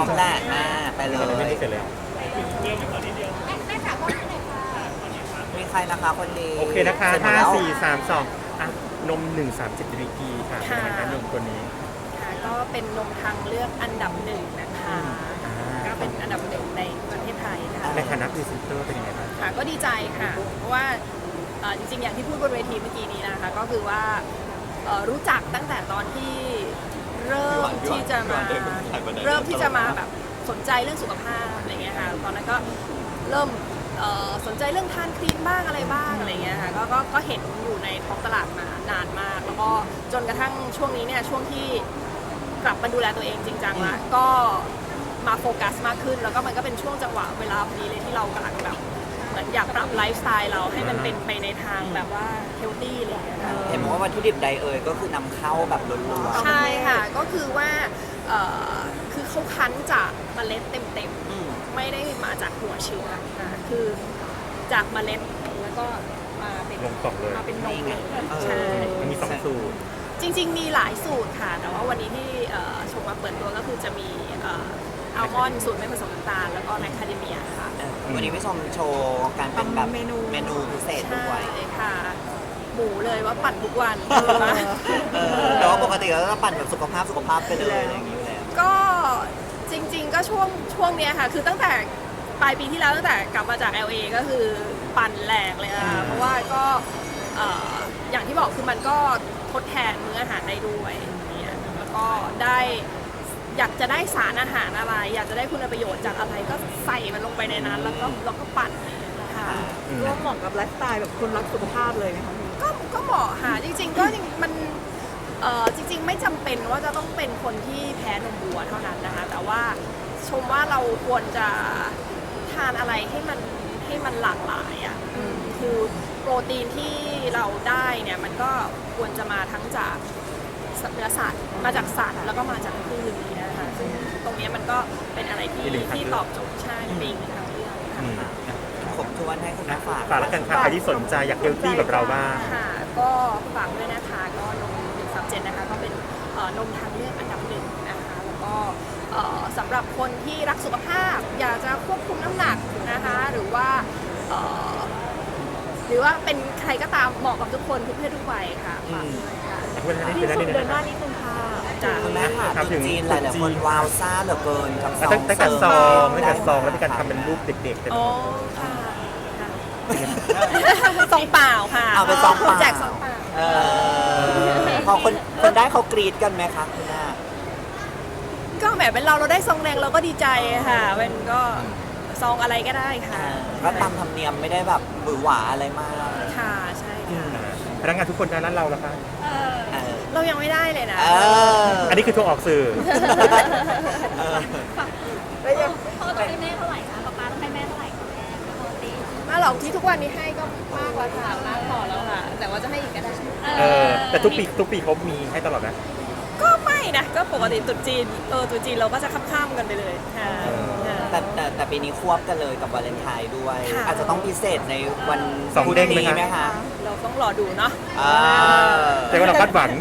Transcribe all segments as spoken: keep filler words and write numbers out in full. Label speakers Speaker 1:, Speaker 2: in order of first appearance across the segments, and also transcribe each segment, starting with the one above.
Speaker 1: มแหละอ่าไปเลย
Speaker 2: ไม่ได้เสร็จเลย
Speaker 3: แม่จ๋าก็ได้เลยค่ะ
Speaker 1: มีใครนะคะคนดี
Speaker 2: โอเคนะคะ
Speaker 1: สร็จมด
Speaker 2: ห้า
Speaker 1: แล้ว
Speaker 2: สี่ สาม สองอ่ะนมหนึ่งสามเจ็ดดีกรีค่ะเป็นยังไงคะนมตัวนี้
Speaker 4: ค่ะก็เป็นนมทางเลือกอันดับหนึ่งนะคะ
Speaker 2: อ่า
Speaker 4: ก็เป็นอันดับหนึ่งในประเทศไทยนะคะ
Speaker 2: ในฐานะพรีเซนเตอร์เป็นยังไงบ้าง
Speaker 4: ค่ะก็ดีใจค่ะ เพราะว่าเอ่อจริงๆ อย่างที่พูดบนเวทีเมื่อกี้นี้นะคะ ก็คือว่าเอ่อรู้จักตั้งแต่ตอนที่เริ่มที่จะมาเริ่มที่จะมาแบบสนใจเรื่องสุขภาพอะไรเงี้ยค่ะตอนนั้นก็เริ่มเอ่อสนใจเรื่องทานครีมบ้างอะไรบ้างอะไรเงี้ยค่ะก็ก็ก็เห็นอยู่ในท้องตลาดมานานมาก แล้วก็จนกระทั่งช่วงนี้เนี่ยช่วงที่กลับมาดูแลตัวเองจริงจังละก็มาโฟกัสมากขึ้น แล้วก็มันก็เป็นช่วงจังหวะเวลาพอดีเลยที่เรากำลังแบบเหมือนอยากปรับไลฟ์สไตล์เราให้มันเป็นไปในทางแบบว่าเฮลตี้อะไรอย่างเงี้ยค่ะ
Speaker 1: เห็นบอกว่าวัตถุดิบใดเอ่ยก็คือนำเข้าแบบล้วน
Speaker 4: ใช่ค่ะ ก็คือว่าเอ่อคือเขาคั้นจากเมล็ดเต็ม
Speaker 1: ๆอืม
Speaker 4: ๆ ไม่ได้มาจากหัวเชื้อค่ะคือจากเมล็ดแล้วก็มาเป็น
Speaker 2: ลงกล่องเลย
Speaker 4: มาเป็นนมเลย
Speaker 1: เออ
Speaker 4: ใช่
Speaker 2: มันมีสองสูตร
Speaker 4: จริงๆ มีหลายสูตรค่ะ แต่ว่าวันนี้ที่เอ่อชมมาเปิดตัวก็คือจะมีเอ่ออัลมอนด์สูตรไม่ผสมน้ำตาลแล้วก็แมคคาเดเมียค่ะ
Speaker 1: เออวันนี้พี่ชมโชว์การเป็นแบบ
Speaker 4: ทำเมนู
Speaker 1: เมนูพิเศษ
Speaker 4: ใช่
Speaker 1: ด้วย
Speaker 4: ค่ะ หมูเลยว่าปั่นทุกวัน
Speaker 1: เออแต่ว่าปกติเราจะปั่นแบบสุขภาพสุขภาพไปเลยอะไรอย่างนี้อยู่แล้ว
Speaker 4: ก็จริงๆ ก็ช่วงช่วงเนี้ยค่ะ คือตั้งแต่ปลายปีที่แล้วตั้งแต่กลับมาจาก แอล เอ ก็คือปั่นแหลกเลยอะเพราะว่าก็เอ่ออย่างที่บอกคือมันก็ทดแทนมื้ออาหารได้ด้วยเนี่ยแล้วก็ได้อยากจะได้สารอาหารอะไร อยากจะได้คุณประโยชน์จากอะไรก็ใส่มันลงไปในนั้น แล้วก็แล้วก็ปั่นค่ะ
Speaker 2: อืม
Speaker 5: ก็เหมาะกับไลฟ์สไตล์แบบคนรักสุขภาพเลยไหมคะพี่
Speaker 4: ก็ก็เหมาะค่ะจริงๆก็จริงมันเอ่อจริง ๆ ไม่จำเป็นว่าจะต้องเป็นคนที่แพ้นมวัวเท่านั้นนะคะแต่ว่าชมว่าเราควรจะทานอะไรให้มันให้มันหลากหลายอ่ะอืมคือโปรตีนที่เราได้เนี่ยมันก็ควรจะมาทั้งจากเนื้อสัตว์มาจากสัตว์แล้วก็มาจากพืชนี่นะคะซึ่งตรงเนี้ยมันก็เป็นอะไรที่
Speaker 2: อีกหนึ่งทาง
Speaker 4: ที่
Speaker 2: เลือก
Speaker 4: ตอบโจทย์ใช่เป็นอีกหนึ่งทางเลือกค่ะ
Speaker 2: อืม
Speaker 1: ขอบทวนให้คุณแม่ฝาก
Speaker 2: ฝากแล้วกันค่ะใครที่สนใจอยากเฮลตี้แบบเราบ้าง
Speaker 4: ค่ะก็ฝากด้วยนะคะก็นมหนึ่งสามเจ็ดนะคะก็เป็นเอ่อนมทางเลือกอันดับหนึ่งนะคะแล้วก็เอ่อสำหรับคนที่รักสุขภาพ อยากจะควบคุมน้ำหนักนะคะหรือว่าเอ่อหรือว่าเป็นใครก็ตามเหมาะกับทุกคนทุกเพศทุกวัยค่ะฝากด้วยค่ะ
Speaker 2: เวลานี้
Speaker 5: พี่
Speaker 2: เป็นได้
Speaker 5: สุด
Speaker 2: ดี
Speaker 5: เดิน
Speaker 2: นะ
Speaker 5: ห
Speaker 2: ค
Speaker 5: น้า
Speaker 2: รับ
Speaker 5: นิดนึงค่ะ
Speaker 4: จ้ะ
Speaker 1: คุณแม่ค่ะ
Speaker 2: ครับ
Speaker 1: ตุ๊จีนหลายๆคนวาวซ่าเหลือเกินกับซอง
Speaker 2: ตั้งตั้งแต่ซองตั้งแต่ซองแล้วมีการทำเป็นรูปเด็กๆเต็มไป
Speaker 4: อ๋อ
Speaker 2: หมด
Speaker 4: ค่ะค่ะซองเปล่าค่ะ
Speaker 1: เอาไปซองเปล่า
Speaker 4: แจกซองเปล่า
Speaker 1: เออพอคนคนได้เขากรีดกันไหมคะคุณแม่
Speaker 4: ก็แหมเป็นเราเราได้ซองแดงเราก็ดีใจค่ะเป็นก็ซองอะไรก็ได้ค่ะ
Speaker 1: ก็ตามธรรมเนียมไม่ได้แบบหวือหวาอะไรมาก
Speaker 4: ค่ะใช่ค่ะ
Speaker 2: พนักงานทุกคนในร้านเราแล้วคะ
Speaker 1: เออ
Speaker 4: เรายังไม่ได้เลยนะ
Speaker 1: เออ
Speaker 2: อันนี้คือโทรออกสื่อ
Speaker 1: เออ
Speaker 5: แล้วยัง
Speaker 3: พ่อต้องให้แม่เท่าไหร่คะป๊าป๊าต้องให้แม่เท่าไหร่คะแม่ปกติ
Speaker 4: มาหรอกที่ทุกวันนี้ให้ก็มากแล้วค่ะมากพอแล้วค่ะ แต่ว่าจะให้อีกก็ได้
Speaker 2: เออแต่ทุกปีทุกปีเขามีให้ตลอดนะ
Speaker 4: ก็ไม่นะก็ปกติตรุษจีนเออตรุษจีนเราก็จะข้ามๆกันไปเลยค่ะค่ะ
Speaker 1: แต่แต่แต่ปีนี้ควบกันเลยกับวาเลนไทน์ด้วย
Speaker 4: ค่ะ
Speaker 1: อาจจะต้องพิเศษในวัน
Speaker 2: สองเด้งไหม
Speaker 1: นี้
Speaker 2: คะ
Speaker 1: ไหมคะ
Speaker 4: เราต้องรอดูเนาะ
Speaker 1: อ่า
Speaker 2: แต่ว่าเราคาดหวัง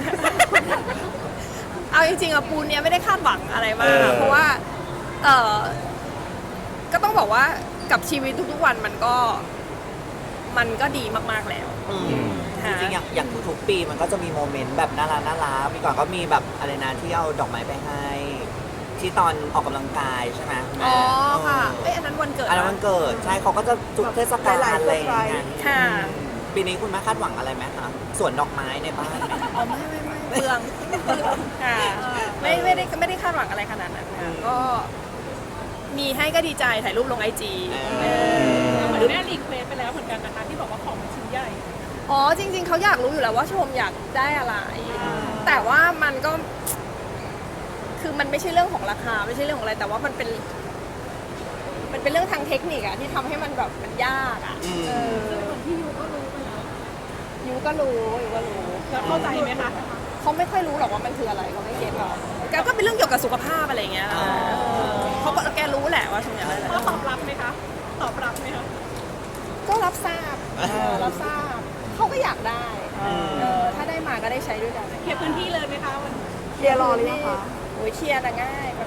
Speaker 4: เอาจริงๆอะปูนเนี้ยไม่ได้คาดหวังอะไรมาก
Speaker 2: เออ
Speaker 4: เพราะว่าเออก็ต้องบอกว่ากับชีวิตทุกๆวันมันก็มันก็ดีมากๆแล้ว
Speaker 1: อืม
Speaker 4: ค่ะ
Speaker 1: จริงๆอย่างอย่างทุกๆปีมันก็จะมีโมเมนต์แบบน่ารักน่ารักมีก่อนก็มีแบบอะไรนะที่เอาดอกไม้ไปให้ ที่ตอนออกกำลังกายใช่ไหมคุณแม่
Speaker 4: อ๋อค่ะ
Speaker 1: เอ
Speaker 4: เอ้ย
Speaker 1: อ
Speaker 4: อันนั้นวันเกิด
Speaker 1: อันนั้นมันเกิดใช่เขาก็จะจุดเทศกาล
Speaker 5: หลายๆ
Speaker 1: อะไรอย่างเงี้ย
Speaker 4: ค่ะ
Speaker 1: ปีนี้คุณแม่คาดหวังอะไรไหมคะสวนดอกไม้ในบ้านไหม
Speaker 4: อ๋อไม่ไม่ไม่เปลืองค่ะไม่ไม่ได้ไม่ได้คาดหวังอะไรขนาดนั้นค่ะก็มีให้ก็ดีใจถ่ายรูปลงไอจี
Speaker 3: เหมือนแม่รีเควสไปแล้วเหมือนกันนะคะที่บอกว่าของมันชิ้นใหญ่
Speaker 4: อ๋อจริง ๆเขาอยากรู้อยู่แล้วว่าชมอยากได้อะไร แต่ว่ามันก็ คือมันไม่ใช่เรื่องของราคาไม่ใช่เรื่องของอะไร แต่ว่ามันเป็น มันเป็นเรื่องทางเทคนิคอะที่ทำให้มันแบบมันยากอะ
Speaker 1: อืม
Speaker 4: เออ
Speaker 3: คนที่ยูก็รู้ไปแล้ว
Speaker 4: ยูก็รู้ยูก็รู้
Speaker 3: แล้วเข้าใจไหมคะ
Speaker 4: เขาไม่ค่อยรู้หรอกว่ามันคืออะไรเขาไม่เก็ตหรอกแกก็เป็นเรื่องเกี่ยวกับสุขภาพอะไรอย่างเงี้ยเขาก็แกรู้แหละว่าชมอยากได้อะไร
Speaker 3: พ่อตอบรับไหมคะ ตอบรับไหมคะ
Speaker 4: ก็รับทราบเออรับทราบเขาก็อยากได้
Speaker 1: อืม
Speaker 4: เออถ้าได้มาก็ได้ใช้ด้วยกัน
Speaker 3: เคลียร์พื้นที่เลยไหมคะวัน
Speaker 5: เคลียร์รอหรือยังคะ
Speaker 4: โอ้ยเคลียร์แต่ง่ายแป๊บเดียว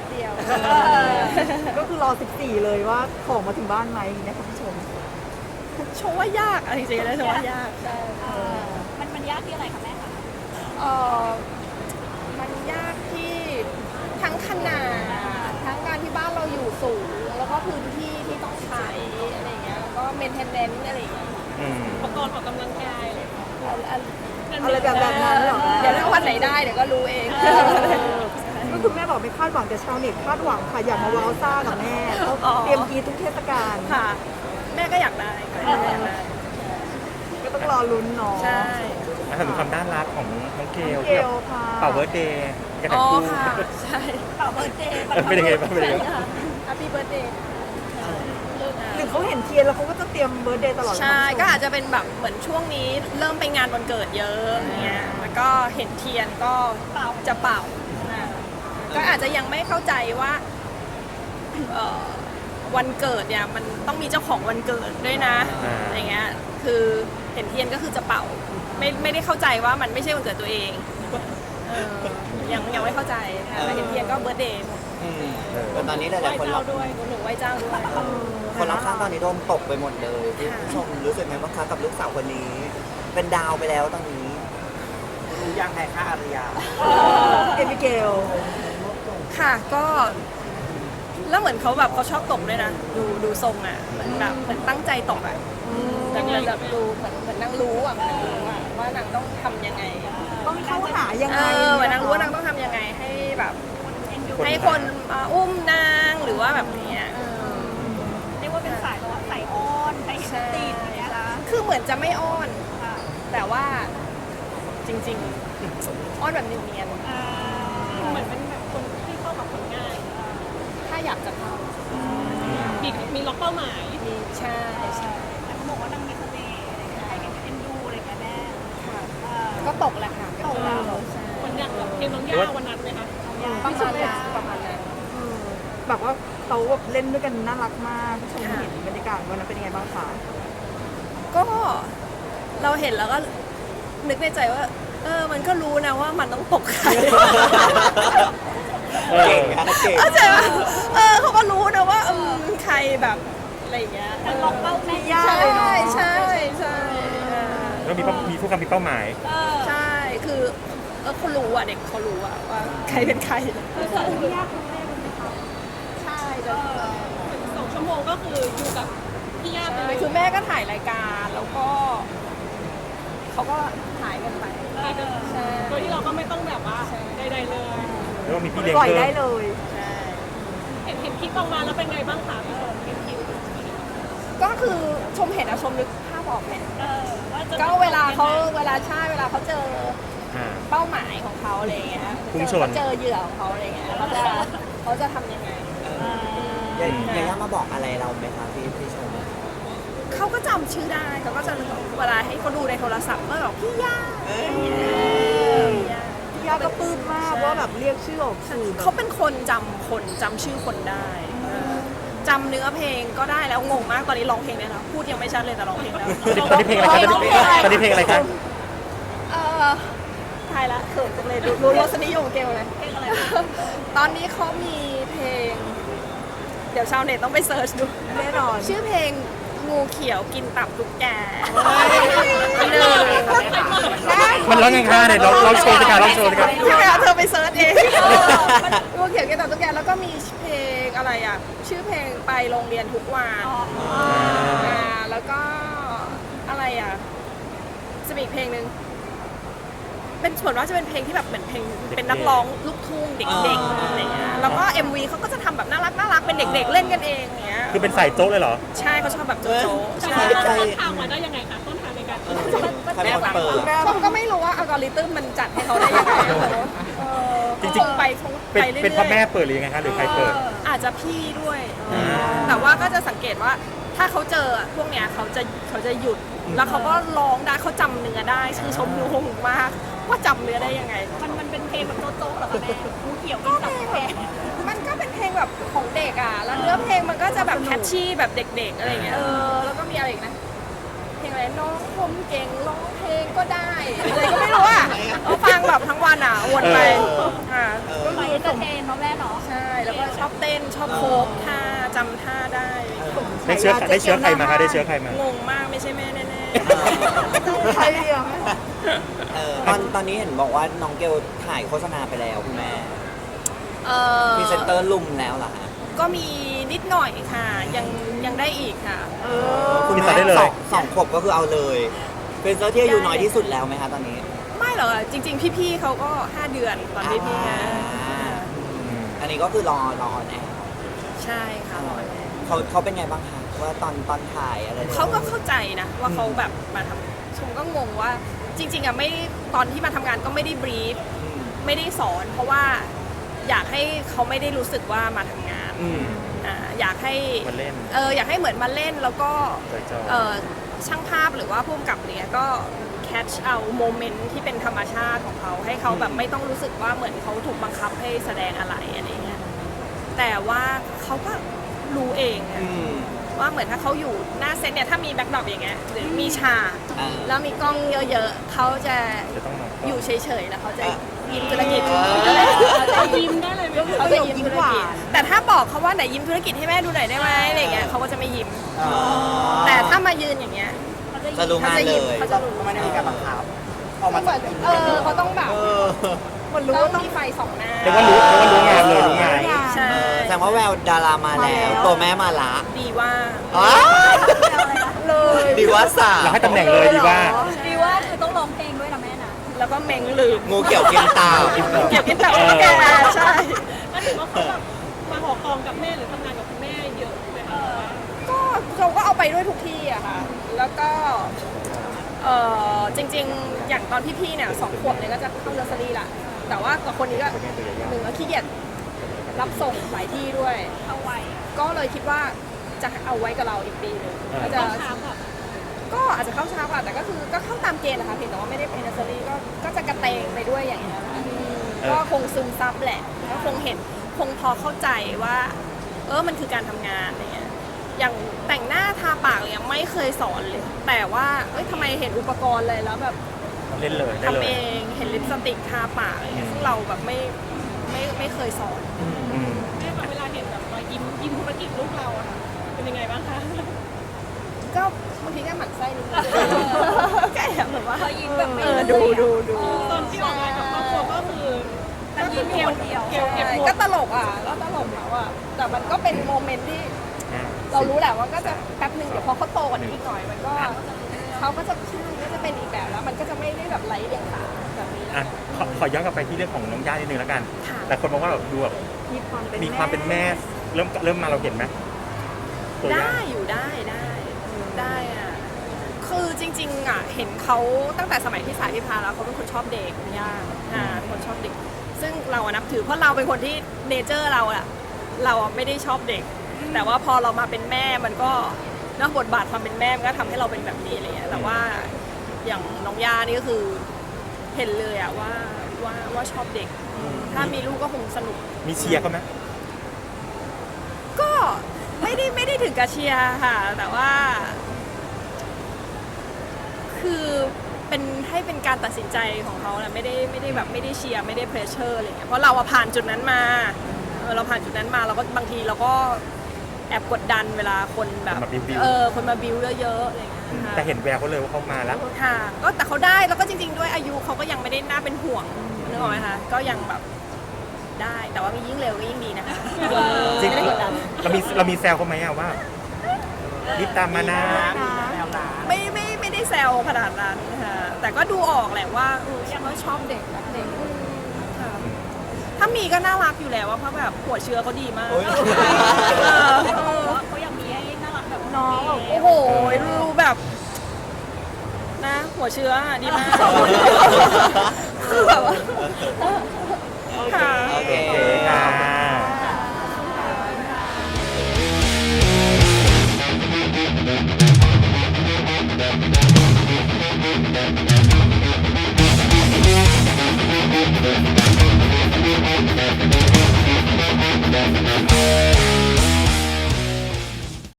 Speaker 5: ก็คือรอสิบสี่เลยว่าของมาถึงบ้านไหมนะคะผู้ชม
Speaker 4: โชว์ว่ายากอะจริงๆแล้วโชว์ว่ายากใช่
Speaker 3: มันมันยากที่อะไรคะแม่คะ
Speaker 4: เออมันยากที่ทั้งขนาดทั้งการที่บ้านเราอยู่สูง แล้วก็พื้นที่ที่ต้องใช้อะไรอย่างเงี้ยแล้วก็เมนเทนเนนซ์อะไรอย่างเงี้ย
Speaker 2: อืม
Speaker 3: อุปกรณ์ออกกำลังกายอะไร
Speaker 4: อันอัน
Speaker 5: อะไรแบบแบบนั้นเหรอ
Speaker 4: เดี๋ยวถ้าวันไหนได้เดี๋ยวก็รู้เอง
Speaker 5: ก็คือแม่บอกไม่คาดหวังแต่ชาวเน็ตคาดหวังค่ะอยากมาว้าวซ่ากับแม่เขาเตรียมกรีดทุกเทศกาล
Speaker 4: ค่ะ แม่ก็อยากได้ค่ะแม่ก็อยากได้
Speaker 5: ก็ต้องรอลุ้นเนาะ
Speaker 4: ใช่
Speaker 2: มาถึงความน่ารักของน้องเกล
Speaker 5: เก
Speaker 2: ที่
Speaker 5: ลค่ะ
Speaker 2: เป่าเบิร์ดเดย์กัน
Speaker 4: อ๋
Speaker 2: ทั้
Speaker 4: อง
Speaker 2: คู่
Speaker 4: ค่ะใช่
Speaker 3: เป่าเบิร์ดเดย์
Speaker 2: เออเป็นยังไงบ้างเป็นยังไงบ้าง
Speaker 4: แฮปปี้เบิร์ดเดย์
Speaker 5: หรือเขาเห็นเทียนแล้วเขาก็จะเตรียมเบิร์ดเดย์ตลอด
Speaker 4: ใช่ก็อาจจะเป็นแบบเหมือนช่วงนี้เริ่มไปงานวันเกิดเยอะอย่างเงี้ยแล้วก็เห็นเทียนก็จะเป่าอ่าก็อาจจะยังไม่เข้าใจว่าเอ่อวันเกิดเนี่ยมันต้องมีเจ้าของวันเกิดด้วยนะอะไรเงี้ยคือเห็นเทียนก็คือจะเป่าไม่ไม่ได้เข้าใจว่ามันไม่ใช่วันเกิดตัวเองเออยังยังไม่เข้าใจค่ะแต่เห็นเทียนก็เบิร์ดเดย์
Speaker 1: อืมแต่ตอนนี้ห
Speaker 3: ไหว้
Speaker 1: ลายๆคนร
Speaker 3: เจ้า
Speaker 1: อบ
Speaker 3: ด้วย
Speaker 4: หนูไหว้เจ้าด้วย
Speaker 1: คนรอบข้างตอนนี้โดนตกไปหมดเลยที่
Speaker 4: ค่ะ
Speaker 1: ผู้ชมรู้สึกไหมบ้างคะกับลูกสาวคนนี้ เป็นดาวไปแล้วตอนนี้รู้ยังไงคะอารยา
Speaker 5: เอมิเกล
Speaker 4: ค่ะก็แล้วเหมือนเขาแบบเขาชอบตกด้วยนะดูดูทรงอ่ะเหมือนแบบเหมือนตั้งใจตกอ่ะแต่เหมือนแบบดูเหมือนเหมือนนางรู้อ่ะเหมือนนางรู้อ่ะว่านางต้องทำยังไง
Speaker 5: ต้องเข้าหายัง
Speaker 4: เอ
Speaker 5: ไง
Speaker 4: อเหมือนนางรู้ว่านางต้องทำยังไงให้แบบให้คนมาอุ้มนางหรือว่าแบบเนี้ยเออ
Speaker 3: เรียกว่าเป็นสายแบบว่าสายอ้อนสาย
Speaker 4: ใช่
Speaker 3: ติดอย่างเงี้ยนะ
Speaker 4: คือเหมือนจะไม่อ้อน
Speaker 3: ค่ะ
Speaker 4: แต่ว่าจริงๆอ้อนแบบเนียน
Speaker 3: อ่าเหมือนเป็นแบบคนที่เข้ากับคนง่าย
Speaker 4: ๆถ้าอยากจะเข้า
Speaker 3: มีมีล็อกเป้าหมาย
Speaker 4: มีใช่ใช่
Speaker 3: แต่เขาบอกว่านางมีเสน่ห์อะไรเงี้ยใครเห็นเอ็นดูอะไรเงี้ยแม่
Speaker 4: ค่ะ
Speaker 3: เออ
Speaker 4: ก็ตกแหละค่ะก็ตกแล้วใช่
Speaker 3: คนอย่างแบบเพลงน้องย่าวันนั้นไหมคะ
Speaker 4: ประมาณนั้นประมาณนั้น
Speaker 5: แบบว่าเขาแบบเล่นด้วยกันน่ารักมากผู้ชมเห็นบรรยากาศวันนั้นเป็นยังไงบ้างคะ
Speaker 4: ก็เราเห็นแล้วก็นึกในใจว่า เออมันก็รู้นะว่ามันต้องตกใคร
Speaker 1: เก่งนะเก่ง
Speaker 4: เข้าใจว่าเออเขาก็รู้นะว่าเออใครแบบอะไรอย่างเงี้ย
Speaker 3: แต่ล็อกเป้าแม่
Speaker 5: ยาก
Speaker 4: ใช่
Speaker 5: เลยเนาะ
Speaker 4: ใช่ใช่เออ
Speaker 2: แล้วมีเป้ามีผู้กำมีเป้าหมาย
Speaker 3: เออ
Speaker 4: ใช่คือเออเขารู้อ่ะเด็กเขารู้อ่ะว่าใครเป็นใคร
Speaker 3: คือสองชั่วโมง
Speaker 4: ใช่
Speaker 3: เออสองชั่วโมงก็คืออยู่กับพี่ย่าไปเลย
Speaker 4: คือแม่ก็ถ่ายรายการแล้วก็เขาก็หายกันไป
Speaker 3: เออ
Speaker 4: ใช่
Speaker 3: โดยที่เราก็ไม่ต้องแบบว่าใดๆเลย
Speaker 2: แล้วก็มีพี่เลี้ยง
Speaker 5: ปล่อย
Speaker 2: เพิ่
Speaker 5: ได้
Speaker 2: ม
Speaker 5: เลย
Speaker 4: ใช่
Speaker 3: เห็นเห็นคลิปออกมาแล้วเป็นไงบ้างคะพี่ชมเห็นคลิป
Speaker 4: ก็คือชมเห็นอะชมนึกภาพออกเนี่ย
Speaker 3: เออว่าจะ
Speaker 4: ก็เวลาเขาเวลาใช่เวลาเขาเจอ
Speaker 2: อ่า
Speaker 4: เป้าหมายของเขาอะไรอย่างเงี้ย
Speaker 2: พุ่งชน
Speaker 4: เจอเหยื่อของเขาอะไรอย่างเงี้ยเขาจะเขาจะทำยังไง
Speaker 1: ยายาย่ามาบอกอะไรเราไหมคะพี่พี่ชม
Speaker 4: เขาก็จำชื่อได้เขาก็จะเวลาให้เขาดูในโทรศัพท์ก็แบบพี่ย่าพี่ย่า
Speaker 5: พี่ยาก็ปลื้มมากว่าแบบเรียกชื่อออกสื่อแบบ
Speaker 4: เขาเป็นคนจำคนจำชื่อคนได้เออจำเนื้อเพลงก็ได้แล้วงงมากตอนนี้ร้องเพลงได้แล้วพูดยังไม่ชัดเลยแต่ร้องเพลงแล้ว
Speaker 2: ตอนนี้เพลงอะไรคะตอนนี้เพลงอะไรคะ
Speaker 4: เออทายละเขินจังเลยดูรู้รสนิยมเกลเลย
Speaker 3: เพลงอะไร
Speaker 4: ตอนนี้เขามีเพลง เดี๋ยวชาวเน็ตต้องไปเซิร์ชดู
Speaker 5: แน่นอน
Speaker 4: ชื่อเพลงงูเขียวกินตับตุ๊กแกหนึ่ง
Speaker 2: มันร้องยังไงเนี่ยเราเราโชว์ดีกว่าเราโชว์ดีกว่า
Speaker 4: ใช่ไหมคะเธอไปเซิร์ชเองงูเขียวกินตับตุ๊กแกแล้วก็มีเพลงอะไรอ่ะ ชื่อเพลงไปโรงเรียนทุกวันอ่าแล้วก็อะไรอ่ะจะมีอีกเพลงหนึ่งเป็นส่วนว่าจะเป็นเพลงที่แบบเหมือนเพลงเป็นนักร้องลูกทุ่งเด็กๆอะไรเงี้ยแล้วก็ เอ็ม วี เขาก็จะทำแบบน่ารักน่ารักเป็นเด็ก ๆ เล่นกันเองอย่างเงี้ย
Speaker 2: คือเป็นสายโจ๊กเลยเหรอ
Speaker 4: ใช่เขาชอบแบบโจ๊ะๆ
Speaker 3: ใช่
Speaker 4: ใช่
Speaker 3: ต้นทางมาได้ยังไงคะต้นทางในการ
Speaker 1: เออใครเป็นคนเปิด
Speaker 4: ชมก็ไม่รู้ว่าอัลกอริทึมมันจัดให้เขาได้ยังไงเออ
Speaker 2: จริงๆ
Speaker 4: คงไปคง
Speaker 2: เป็น
Speaker 4: ไปเรื่อยๆ
Speaker 2: เป็นพ่อแม่เปิดหรือยังไงคะหรือใครเปิด
Speaker 4: อาจจะพี่ด้วย
Speaker 2: อ่า
Speaker 4: แต่ว่าก็จะสังเกตว่าถ้าเขาเจอพวกเนี้ยเขาจะเขาจะหยุด แล้วเขาก็ร้องได้เขาจำเนื้อได้คือชมงงมากว่าจำเนื้อได้ยังไง
Speaker 3: มันมันเป็นเพลงแบบโจ๊กๆเหรอคะแม่งูเขียวกินตับแพง
Speaker 4: มันก็เป็นเพลงแบบของเด็กอ่ะ แล้วเนื้อเพลงมันก็จะแบบแคชชี่แบบเด็กๆอะไรอย่างเงี้ย เออ แล้วก็มีอะไรอีกนะ เพลงอะไรน้องผมเก่งร้องเพลงก็ได้อะไรก็ไม่รู้อ่ะเอาฟังแบบทั้งวันอ่ะวนไปอ่า
Speaker 5: ก็
Speaker 3: ไป
Speaker 5: คือ
Speaker 3: เอนเตอร์เทนเนาะแม่เนาะ
Speaker 4: ใช่แล้วก็ชอบเต้นชอบโคฟท่าจำท่าได้
Speaker 2: ได้เชื้อได้เชื้อใครมาคะได้เชื้อใครมาง
Speaker 4: งมากไม่ใช่แม่แน่
Speaker 5: ใครเดียว
Speaker 1: เออตอนตอนนี้เห็นบอกว่าน้องเกลถ่ายโฆษณาไปแล้วคุณแม่
Speaker 4: ๆเออ
Speaker 1: พรีเซนเตอร์ลุมแล้วเหรอฮะ
Speaker 4: ก็มีนิดหน่อยค่ะยังยังได้อีกค่ะ
Speaker 5: เออ
Speaker 1: คุณ
Speaker 2: ติด
Speaker 1: แม่
Speaker 2: ต่อได้เลย
Speaker 1: สองสองขวบก็คือเอาเลยเป็นเซอร์ที่อายุน้อยที่สุดแล้วไหมคะตอนนี้
Speaker 4: ไม่หรอกจริง ๆ พี่ๆเขาก็ห้าเดือนตอนพี่ๆนะ
Speaker 1: อ่าอันนี้ก็คือรอรอออนแอร์
Speaker 4: ใช่ค่ะรอแน่
Speaker 1: เขาเขาเป็นไงบ้างคะว่าตอนตอนถ่ายอะไร
Speaker 4: เขาก็เข้าใจนะว่าเขาแบบมาทำชมก็งงว่าจริง ๆอ่ะไม่ตอนที่มาทำงานก็ไม่ได้บรีฟ
Speaker 1: อืม
Speaker 4: ไม่ได้สอน เพราะว่าอยากให้เขาไม่ได้รู้สึกว่ามาทำงาน
Speaker 1: อืม
Speaker 4: อ่าอยากให้
Speaker 2: มาเล่น
Speaker 4: เอออยากให้เหมือนมาเล่นแล้วก็
Speaker 2: จอยๆ
Speaker 4: เออช่างภาพหรือว่าผู้กำกับเนี่ยก็แคชเอาโมเมนต์ที่เป็นธรรมชาติของเขาให้เขาแบบไม่ต้องรู้สึกว่าเหมือนเขาถูกบังคับให้แสดงอะไรอะไรเงี้ยแต่ว่าเขาก็รู้เองอะ
Speaker 1: อืม
Speaker 4: ว่าเหมือนถ้าเขาอยู่หน้าเซตเนี่ยถ้ามีแบ็คดรอปอย่างเงี้ยหรือมีฉาก
Speaker 1: อ่า
Speaker 4: แล้วมีกล้องเยอะๆเขาจะ
Speaker 2: จะต้องมา
Speaker 4: อยู่เฉยๆแล้วเขาจะยิ้มธุรกิจ
Speaker 3: เขายิ้มได้เลยไหม
Speaker 4: เขาจะยิ้มธุรกิจแต่ถ้าบอกเขาว่าไหนยิ้มธุรกิจให้แม่ดูหน่อยได้ไหมอะไรเงี้ยเขาก็จะไม่ยิ้ม
Speaker 1: อ๋อ
Speaker 4: แต่ถ้ามายืนอย่างเงี้ย
Speaker 1: จะรู้
Speaker 4: เขา
Speaker 1: งาน
Speaker 4: จะ
Speaker 1: เล
Speaker 4: ยิ้ม
Speaker 1: ย
Speaker 4: เขาจะรู้
Speaker 6: ไม่ได้มีการบังคับออก
Speaker 4: เหมื
Speaker 6: มา
Speaker 4: อนเออเขาต้องแบบ
Speaker 1: เออ
Speaker 5: มันรู้
Speaker 4: ต้
Speaker 5: ว่า
Speaker 4: อ
Speaker 5: ต้อง ง
Speaker 4: มีไฟสองหน้า
Speaker 2: เรียกว่ารู้เรียกว่ารู้งานเลยรู้งาน
Speaker 4: ใช่
Speaker 1: แสดงว่าแววดารามาแล้ว ตัวแม่มาละ
Speaker 4: ดีว่า
Speaker 1: อ๋อ
Speaker 5: เลย
Speaker 1: ดีว่าสา
Speaker 2: เราให้ตำแหน่งเลยดีว่า
Speaker 3: ดีว่าคือต้องร้องเพลงด้วยนะแม่นะ
Speaker 4: แล้วก็เม้งลืม
Speaker 1: งูเกี่ยวกินตา
Speaker 4: เกี่ยวกินแต่ว่าแกใช่
Speaker 3: ก็ถือว่าเขาแบบมาหอกองกับแม่หรือทำงานกับคุณแม่เยอะไหมคะ
Speaker 4: ก็เราก็เอาไปด้วยทุกที่อะค่ะ แล้วก็เออจริง ๆ อย่างตอนพี่ๆเนี่ยสองขวบเนี่ยก็จะเข้าเนอร์เซอรี่ละแต่ว่ากับคนนี้ก็หนึ่งก็ขี้เกียจรับส่งหลายที่ด้วย
Speaker 3: เอาไว้
Speaker 4: ก็เลยคิดว่าจะเอาไว้กับเราอีกปีหนึงก็จะ
Speaker 3: ต้องช้าแบบ
Speaker 4: ก็อาจจะเข้าช้ากว่าแต่ก็คือก็เข้าตามเกณฑ์นะคะเพียงแต่ว่าไม่ได้เป็นเนอร์เซอรี่ก็ก็จะกระเตงไปด้วยอย่างเงี้ยค่ะก็คงซึมซับแหละก็คงเห็นคงพอเข้าใจว่า เออมันคือการทำงานอะไรเงี้ยอย่างแต่งหน้าทาปากอะไรเงี้ยไม่เคยสอนเลย แต่ว่าเอ้ยทำไมเห็นอุปกรณ์เลยแล้วแบบ
Speaker 2: เล่นเลยได้
Speaker 4: ทำ
Speaker 2: เล
Speaker 4: เอย งเห็นลิปสติกทาปากอะไรเงี้ยซึ่งเราแบบไม่ไม่ไม่เคยสอน
Speaker 2: อืม
Speaker 3: แม่แบบเวลาเห็นแบบรอยยิ้มยิ้มธุรกิจลูกเราอะค่ะเป็นยังไงบ้างคะ
Speaker 4: ก็บางทีก็หมั่นไส้นิดนึงแกแบบว่า
Speaker 3: เขายิ้มแบบไม่
Speaker 4: เออดูดูดู
Speaker 3: ตอนที่ออกงานกับครอบครัวก็คือก็คือเกลเดียวเกลเก็บหม
Speaker 4: ก็
Speaker 3: ด
Speaker 4: ตลกอ่ะก็ตลกแล้วอ่ะแต่มันก็เป็นโมเมนต์ที่
Speaker 2: อ่ะ
Speaker 4: เรารู้แหละว่าก็จะแป๊บหนึ่งเดี๋ยวพอเขาโตกว่านี้อีกหน่อยมันก็เขาก็จะใช่ก็จะเป็นอีกแบบแล้ว มันก็จะไม่ได้แบบไร้เดียงสาแบบนี้
Speaker 2: อ่ะขอขอย้อนกลับไปที่เรื่องของน้องย่านิดนึงแล้วกัน
Speaker 4: ค่ะ
Speaker 2: แต่คนบอกว่าแบบดูแบบ
Speaker 5: มีความเป็น
Speaker 2: มีความเป็นแม่เริ่มเริ่มมาเราเห็นไหมตัวย่า
Speaker 4: ได้อยู่ได้ได้ได้อ่ะคือจริงๆอ่ะเห็นเขาตั้งแต่สมัยที่สายพิพาแล้วเขาเป็นคนชอบเด็กคุณย่าอ่าเป็นคนชอบเด็ก ซึ่งเราอะนับถือเพราะเราเป็นคนที่เนเจอร์เราอะเราอะไม่ได้ชอบเด็ก แต่ว่าพอเรามาเป็นแม่มันก็เนอะบทบาทความเป็นแม่มันก็ทำให้เราเป็นแบบนี้อะไรเงี้ยแต่ว่าอย่างน้องย่านี่ก็คือเห็นเลยอะว่าว่าว่าชอบเด็ก ถ้ามีลูกก็คงสนุก
Speaker 2: มีเชียร์เขาไหม
Speaker 4: ก็ไม่ได้ไม่ได้ถึงกับเชียร์ค่ะ แต่ว่า คือเป็นให้เป็นการตัดสินใจของเขาแหละไม่ได้ไม่ได้แบบไม่ได้เชียร์ไม่ได้เพรสเชอร์อะไรเงี้ยเพราะเราอะผ่านจุดนั้นมาเออเราผ่านจุดนั้นมาเราก็บางทีเราก็แอบกดดันเวลาคนแบบเออคนมาบิวเยอะๆอะไรเงี้ยค่ะ
Speaker 2: แต่เห็นแววเขาเลยว่าเขามาแล้ว
Speaker 4: ค่ะก็แต่เขาได้แล้วก็จริง ๆ ด้วยอายุเขาก็ยังไม่ได้น่าเป็นห่วงนึกออกไหมคะก็ยังแบบได้แต่ว่ามียิ่งเร็วก็ยิ่งดีนะคะ
Speaker 2: จริง
Speaker 4: ไม่ได้กดดัน
Speaker 2: เรามีเรามีแซวเขาไหมอะว่ารีบตามมานะ
Speaker 4: ไม่ไม่ไม่ได้แซวขนาดนั้นค่ะแต่ก็ดูออกแหละว่าเออเขาชอบเด็กรักเด็กอืมค่ะถ้ามีก็น่ารักอยู่แล้วว่าเพราะแบบหัวเชื้อเขาดีมาก
Speaker 1: โอ้ย
Speaker 4: เออเออ
Speaker 3: เขาอยากมีให้น่ารักแบบ
Speaker 4: น้องแบบโอ้โหรู้แบบนะ หัวเชื้ออะดีมากคือแบบว่าค่ะ
Speaker 1: โอเค
Speaker 2: โอเคค่ะ
Speaker 7: We'll be right back.